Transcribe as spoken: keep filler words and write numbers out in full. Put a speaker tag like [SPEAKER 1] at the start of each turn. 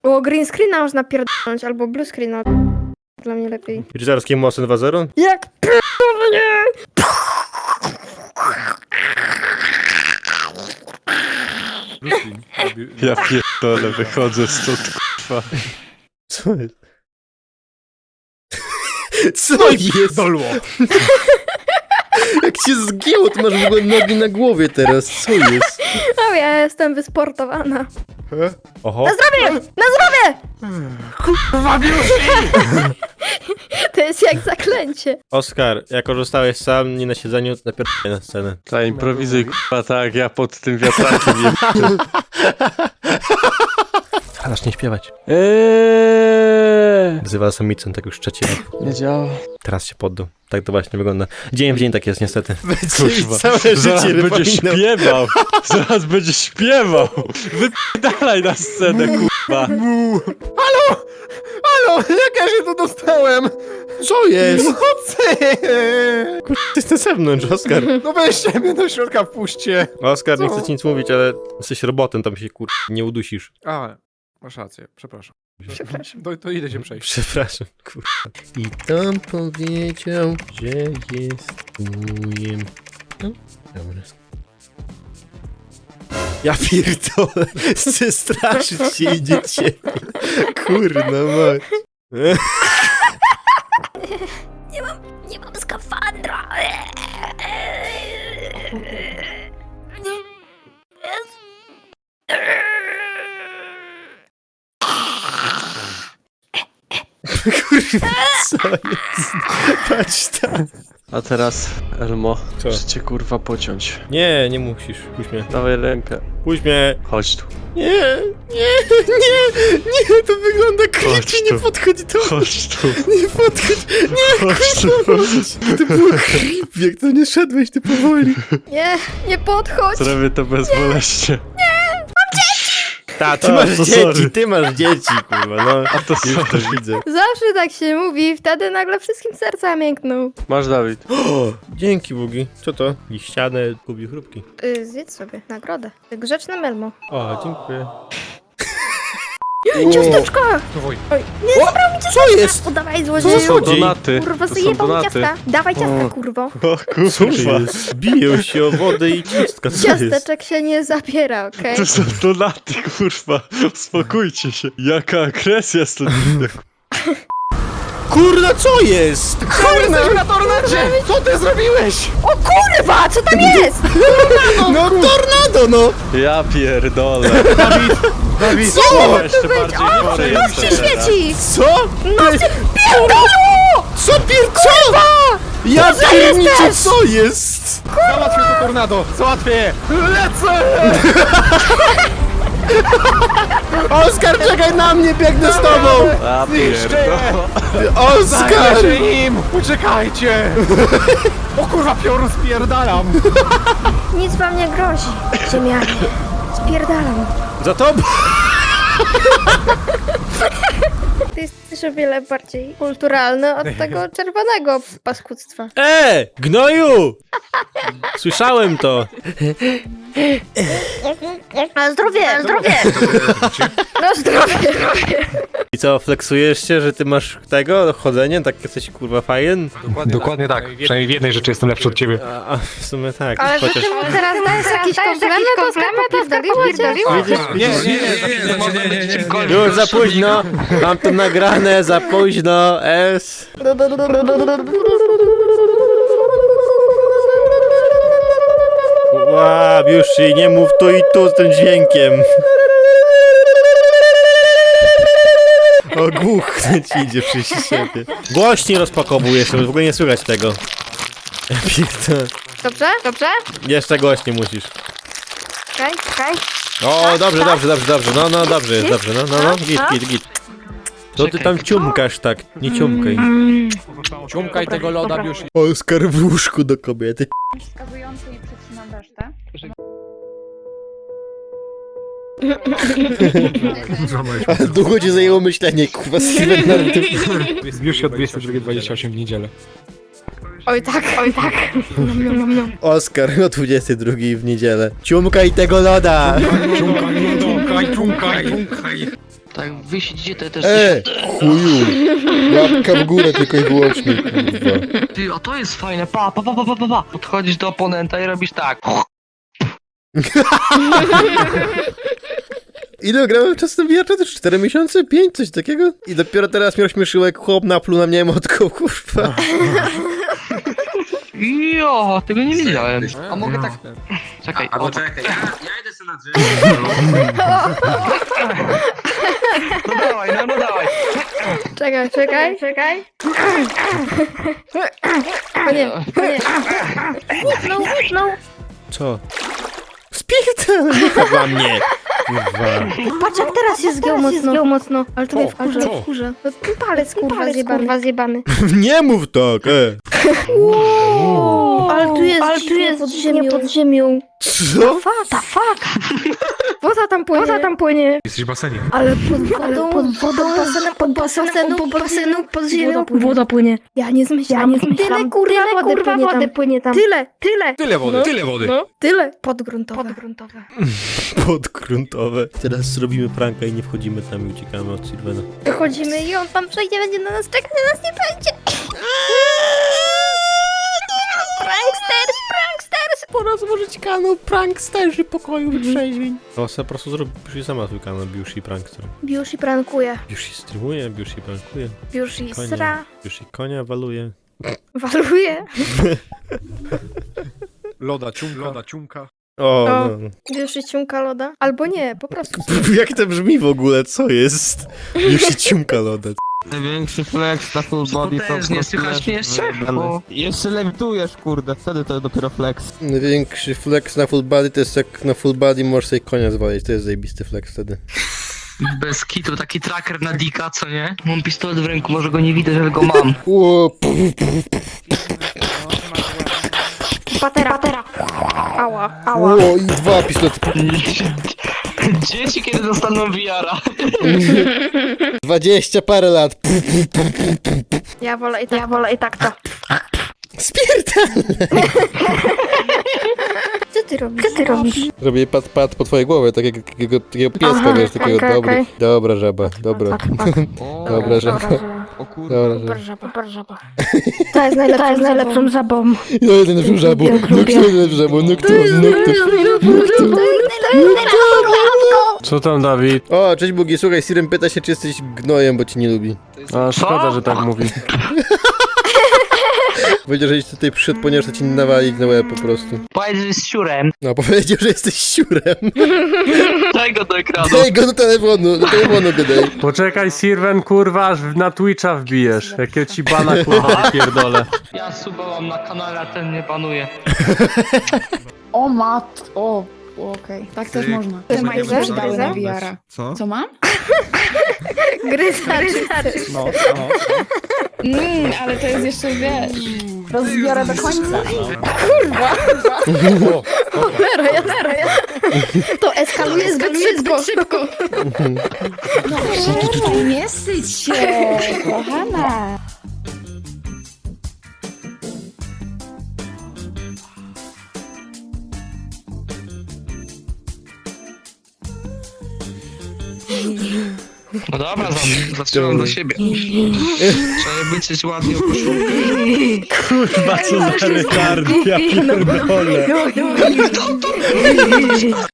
[SPEAKER 1] O, green screena można pierdolnąć, albo blue screena. Dla mnie lepiej.
[SPEAKER 2] Rycerskie mosy dwa zero?
[SPEAKER 1] Jak pierdolnie!
[SPEAKER 3] Ja pierdolę, wychodzę stąd, kurwa.
[SPEAKER 2] Co jest? Co jest?
[SPEAKER 4] Dolło.
[SPEAKER 2] Jak cię zgięło, to masz w ogóle nogi na głowie teraz. Co jest?
[SPEAKER 1] No ja jestem wysportowana.
[SPEAKER 2] Oho.
[SPEAKER 1] Na zdrowie! Na zdrowie!
[SPEAKER 4] Kurwa, Biusi!
[SPEAKER 1] To jest jak zaklęcie.
[SPEAKER 2] Oskar, jak korzystałeś sam, nie na siedzeniu, napierdolę na scenę.
[SPEAKER 3] Ta improwizuj, kurwa, tak, ja pod tym wiatrakiem jem.
[SPEAKER 2] Zacznij śpiewać.
[SPEAKER 3] Eee,
[SPEAKER 2] Wzywa samicą, tak już trzeci raz.
[SPEAKER 3] nie działa.
[SPEAKER 2] Teraz się poddał. Tak to właśnie wygląda. Dzień w dzień tak jest niestety.
[SPEAKER 3] Kurwa,
[SPEAKER 2] Całe
[SPEAKER 3] zaraz
[SPEAKER 2] życie
[SPEAKER 3] będzie
[SPEAKER 2] wypominał.
[SPEAKER 3] śpiewał. Zaraz będzie śpiewał. Wypierdalaj na scenę, kurwa.
[SPEAKER 4] Halo, jak ja się tu dostałem?
[SPEAKER 2] Co jest?
[SPEAKER 4] Nocy!
[SPEAKER 2] Ty jesteś na zewnątrz, Oskar.
[SPEAKER 4] No weźcie mnie do środka, wpuśćcie.
[SPEAKER 2] Oskar, nie
[SPEAKER 4] Co?
[SPEAKER 2] chcę ci nic mówić, ale jesteś robotem, tam się kur... nie udusisz.
[SPEAKER 4] A, masz rację, przepraszam.
[SPEAKER 1] Przepraszam.
[SPEAKER 4] To, to idę się przejść.
[SPEAKER 2] Przepraszam, kurwa. I tam powiedział, że jest ujem. No, dobra. Ja pierdolę, zestraszyć się idzie ciebie. Kurna mać.
[SPEAKER 1] Nie mam skafandra.
[SPEAKER 2] Kurwa, co jest? Patrz tam.
[SPEAKER 3] A teraz, Elmo,
[SPEAKER 2] Co?
[SPEAKER 3] muszę cię kurwa pociąć.
[SPEAKER 2] Nie, nie musisz. Puść mnie.
[SPEAKER 3] Dawaj rękę.
[SPEAKER 2] Puść mnie.
[SPEAKER 3] Chodź tu.
[SPEAKER 2] Nie, nie, nie, nie, to wygląda
[SPEAKER 3] Chodź
[SPEAKER 2] creepy, nie
[SPEAKER 3] tu.
[SPEAKER 2] podchodź do...
[SPEAKER 3] Chodź tu.
[SPEAKER 2] Nie podchodź, nie,
[SPEAKER 3] Chodź tu.
[SPEAKER 2] to było creepy, jak to nie szedłeś, ty powoli.
[SPEAKER 1] Nie, nie podchodź.
[SPEAKER 3] Zrobię to bezboleśnie.
[SPEAKER 2] Ta, ty
[SPEAKER 3] A,
[SPEAKER 2] masz
[SPEAKER 3] to
[SPEAKER 2] dzieci,
[SPEAKER 3] sorry.
[SPEAKER 2] ty masz dzieci, kurwa, no.
[SPEAKER 3] A to
[SPEAKER 2] Już to
[SPEAKER 3] sorry.
[SPEAKER 2] widzę.
[SPEAKER 1] Zawsze tak się mówi, wtedy nagle wszystkim serca miękną.
[SPEAKER 3] Masz, Dawid.
[SPEAKER 2] O, dzięki, Bugi. Co to? Liściane kubi chrupki.
[SPEAKER 1] Yy, zjedz sobie nagrodę. Grzeczne Melmo.
[SPEAKER 2] O, dziękuję.
[SPEAKER 1] Ciasteczka!
[SPEAKER 4] Dawaj.
[SPEAKER 1] Oj, nie zabrał mi ciasteczka!
[SPEAKER 2] Co jest?
[SPEAKER 1] Oddawaj,
[SPEAKER 2] Co
[SPEAKER 1] złodzieju!
[SPEAKER 2] za
[SPEAKER 3] To są
[SPEAKER 2] Złodziej.
[SPEAKER 3] donaty.
[SPEAKER 1] Kurwa,
[SPEAKER 3] To są
[SPEAKER 1] zajebał mi
[SPEAKER 3] donaty.
[SPEAKER 1] ciastka! Dawaj ciastka,
[SPEAKER 3] O.
[SPEAKER 1] kurwo!
[SPEAKER 3] O
[SPEAKER 2] Co
[SPEAKER 3] kurwa.
[SPEAKER 2] jest? Biją się o wodę i ciastka, co jest?
[SPEAKER 1] Ciasteczek się nie zabiera, okej?
[SPEAKER 3] To są donaty, kurwa. Uspokójcie się. Jaka agresja stąd idzie.
[SPEAKER 2] Kurna, co jest?
[SPEAKER 4] Jesteśmy na tornadzie! Co ty zrobiłeś?
[SPEAKER 1] O kurwa, co tam jest?
[SPEAKER 2] No tornado, no!
[SPEAKER 3] Ja pierdolę.
[SPEAKER 4] Dawid,
[SPEAKER 2] Co?
[SPEAKER 3] Jeszcze bardziej chory
[SPEAKER 1] Noc się
[SPEAKER 3] jestem teraz.
[SPEAKER 1] świeci!
[SPEAKER 2] Co?
[SPEAKER 1] Noc się... Pierdolu!
[SPEAKER 2] Co pierczowa? Ja pierniczę,
[SPEAKER 1] jesteś?
[SPEAKER 2] co jest?
[SPEAKER 4] załatwię to tornado! Załatwię je! Lecę!
[SPEAKER 2] Oskar, czekaj na mnie, biegnę z tobą!
[SPEAKER 3] A
[SPEAKER 4] Zniszczę
[SPEAKER 3] pierdolę.
[SPEAKER 4] je!
[SPEAKER 2] Oskar!
[SPEAKER 4] Zajmę się im! Uciekajcie! O kurwa, piorun spierdalam!
[SPEAKER 1] Nic wam nie grozi, ziemianie. Spierdalam.
[SPEAKER 2] Za tobą!
[SPEAKER 1] Ty jesteś o wiele bardziej kulturalny od tego czerwonego paskudztwa.
[SPEAKER 2] E! Gnoju! Słyszałem to!
[SPEAKER 1] Na zdrowie, na zdrowie! Na zdrowie, zdrowie!
[SPEAKER 2] I co, fleksujesz się, że ty masz tego, chodzenie, tak jesteś kurwa fajen?
[SPEAKER 4] Dokładnie tak. Przynajmniej w jednej rzeczy jestem lepszy od ciebie.
[SPEAKER 2] A, a w sumie tak,
[SPEAKER 1] Ale że
[SPEAKER 2] chociaż...
[SPEAKER 1] ty mu teraz dajesz jakiś komplement, to popierdoliło cię?
[SPEAKER 2] Widzisz,
[SPEAKER 4] Nie,
[SPEAKER 2] widzisz?
[SPEAKER 4] nie, nie, nie, nie, nie.
[SPEAKER 2] Już za późno! Mam to nagrane, za późno, S. Łab, już się nie mów tu i tu z tym dźwiękiem. O, głuchnąć idzie przy siebie. Głośniej rozpakowujesz, w ogóle nie słychać tego. Ja pierdolę.
[SPEAKER 1] Dobrze? Dobrze?
[SPEAKER 2] Jeszcze głośniej musisz.
[SPEAKER 1] Czekaj, czekaj.
[SPEAKER 2] O, dobrze, dobrze, dobrze, dobrze, no, no, dobrze jest, dobrze, no, no, no, git, git, git. To ty tam ciumkasz tak, nie ciumkaj.
[SPEAKER 4] Ciumkaj tego loda, Biusi.
[SPEAKER 2] Oskar w łóżku do kobiety.
[SPEAKER 5] wskazujący i przecinam resztę.
[SPEAKER 2] Ale długo ci zajęło myślenie, kurwa, Steven na tym.
[SPEAKER 4] Biusi od dwudziestej drugiej dwadzieścia osiem w niedzielę.
[SPEAKER 1] Oj tak, oj tak. Nom, nom, nom, nom.
[SPEAKER 2] Oskar o dwudziestej drugiej w niedzielę. Ciumkaj tego loda!
[SPEAKER 4] Ciumkaj, ciumkaj, ciumkaj, ciumkaj.
[SPEAKER 6] Tak, wy siedzicie, to ja też...
[SPEAKER 2] E, chuju. Łapka w górę tylko i wyłącznie, kurwa.
[SPEAKER 6] Ty, a to jest fajne, pa, pa, pa, pa, pa, pa, pa. Podchodzisz do oponenta i robisz tak.
[SPEAKER 2] Ile grałem czas na V R? To też cztery miesiące? pięć? Coś takiego? I dopiero teraz mnie rozśmieszyło, jak chłop napluł na mnie motką, kurwa.
[SPEAKER 6] Jo, tego nie widziałem. A mogę tak... Czekaj,
[SPEAKER 7] Albo
[SPEAKER 6] o, tak.
[SPEAKER 7] czekaj, ja, ja idę sobie na drzewo.
[SPEAKER 6] No dawaj, no, no dawaj.
[SPEAKER 1] Czekaj, czekaj, czekaj. O nie, o nie. Łupnął, łupnął.
[SPEAKER 2] Co? Spierdalaj, nie dla mnie. Kurwa.
[SPEAKER 1] Patrz jak teraz się zgiął mocno. Zgiął mocno. Ale to mnie wkurza.
[SPEAKER 3] co?
[SPEAKER 1] wkurza. No, palec kurwa zjebany. Kurwa zjebany.
[SPEAKER 2] Nie mów tak, e.
[SPEAKER 1] Ale tu jest,
[SPEAKER 2] Ale
[SPEAKER 1] tu jest pod ziemią. Pod ziemią.
[SPEAKER 2] Co?
[SPEAKER 1] Fata, fuck. Woda tam płynie. Woda tam płynie.
[SPEAKER 4] Jesteś w basenie.
[SPEAKER 1] Ale pod wodą, pod wodą, basenem, pod basenem, pod basenu, pod ziemią. Woda płynie. Ja nie zmyślam. Ja nie zmyślam. Tyle kurwa, tyle, wody, kurwa wody płynie tam. Tyle, tyle.
[SPEAKER 4] Tyle wody,
[SPEAKER 1] No.
[SPEAKER 4] tyle wody.
[SPEAKER 1] No, tyle. Podgruntowe. Podgruntowe.
[SPEAKER 2] Podgruntowe. Teraz zrobimy pranka i nie wchodzimy tam i uciekamy od Sylwena.
[SPEAKER 1] Wychodzimy i on tam przejdzie, będzie na nas czekać, na nas nie będzie. Pranksters, pranksters.
[SPEAKER 2] Pora złożyć kanał Pranksterzy pokoju wytrzeźwień. O, se po prostu zrobił już sama swój kanał Biushi Prankster.
[SPEAKER 1] Biushi prankuje.
[SPEAKER 2] Biushi streamuje, Biushi prankuje.
[SPEAKER 1] Biushi
[SPEAKER 2] Konia.
[SPEAKER 1] sra.
[SPEAKER 2] Biushi konia waluje.
[SPEAKER 1] Waluje.
[SPEAKER 4] Loda, ciumka. Loda, ciumka.
[SPEAKER 2] O,
[SPEAKER 1] O.
[SPEAKER 2] no.
[SPEAKER 1] Biushi ciumka loda. Albo nie, po prostu.
[SPEAKER 2] Jak to brzmi w ogóle? Co jest? Biushi ciumka loda.
[SPEAKER 8] Największy flex na full body to
[SPEAKER 6] Potężnie,
[SPEAKER 8] po prostu
[SPEAKER 6] słychać
[SPEAKER 8] jest
[SPEAKER 6] mnie jeszcze?
[SPEAKER 8] wyjebane.
[SPEAKER 6] Bo-
[SPEAKER 8] Jeszcze lewitujesz, kurde, wtedy to dopiero flex.
[SPEAKER 2] Największy flex na full body to jest jak na full body możesz sobie konia zwalić. To jest zajebisty flex wtedy.
[SPEAKER 6] Bez kitu, taki tracker na dika, co nie? Mam pistolet w ręku, może go nie widać, ale go mam.
[SPEAKER 2] Ło, puf,
[SPEAKER 1] Patera, patera. Ała, ała.
[SPEAKER 2] ło, i dwa pistolety.
[SPEAKER 6] Dzieci kiedy dostaną V R-a?
[SPEAKER 2] Dwadzieścia parę lat.
[SPEAKER 1] Ja wolę i tak, ja wolę i tak to.
[SPEAKER 2] Spierdalaj.
[SPEAKER 1] Co ty robisz? Co ty robisz?
[SPEAKER 2] Robię pat pat po twojej głowie, tak jak takiego, takiego pieska,
[SPEAKER 1] Aha,
[SPEAKER 2] wiesz, takiego
[SPEAKER 1] okej,
[SPEAKER 2] dobra,
[SPEAKER 1] okej.
[SPEAKER 2] dobra żaba, dobra,
[SPEAKER 8] O,
[SPEAKER 2] dobra żaba,
[SPEAKER 8] o kurde.
[SPEAKER 2] dobra
[SPEAKER 1] Super
[SPEAKER 2] żaba.
[SPEAKER 1] żaba, super żaba. To jest najlepszą, to jest najlepszą żabą.
[SPEAKER 2] No jest najlepszą żabą, no kto jest najlepszą żabą, no kto, no kto, no kto.
[SPEAKER 3] Co tam, Dawid?
[SPEAKER 2] O, cześć Bugi, słuchaj, Siren pyta się, czy jesteś gnojem, bo cię nie lubi.
[SPEAKER 3] A szkoda, że tak mówi.
[SPEAKER 2] Powiedział, że jeśli tutaj przyszedł, ponieważ to ci nie nawali na łeb po prostu.
[SPEAKER 6] Powiedz, że jest siurem.
[SPEAKER 2] No, powiedział, że jesteś siurem.
[SPEAKER 6] Daj go do ekranu.
[SPEAKER 2] Daj go do telefonu, do telefonu go daj.
[SPEAKER 3] Poczekaj, Sirwen, kurwa, aż na Twitcha wbijesz. Jakie ci bana, kurwa, pierdolę.
[SPEAKER 6] Ja suba mam na kanale, a ten nie panuje.
[SPEAKER 5] O mat, o, okej, tak też można.
[SPEAKER 1] Ty
[SPEAKER 5] Te
[SPEAKER 1] masz
[SPEAKER 5] majtki
[SPEAKER 1] gryza?
[SPEAKER 5] dały na V R-a.
[SPEAKER 4] Co?
[SPEAKER 5] Co mam?
[SPEAKER 1] Gryza, gryza.
[SPEAKER 4] No, no.
[SPEAKER 5] Mmm, ale to jest jeszcze, wiesz, rozbiorę do końca.
[SPEAKER 1] Cholera, ja, cholera, ja. To eskaluje zbyt szybko. szybko.
[SPEAKER 5] No przestań, nie syć się, kochana.
[SPEAKER 6] No dobra, za- zatrzymam do siebie. Trzeba być ładnie o koszulkę.
[SPEAKER 3] Kurwa, co za retardy, ja pierdolę.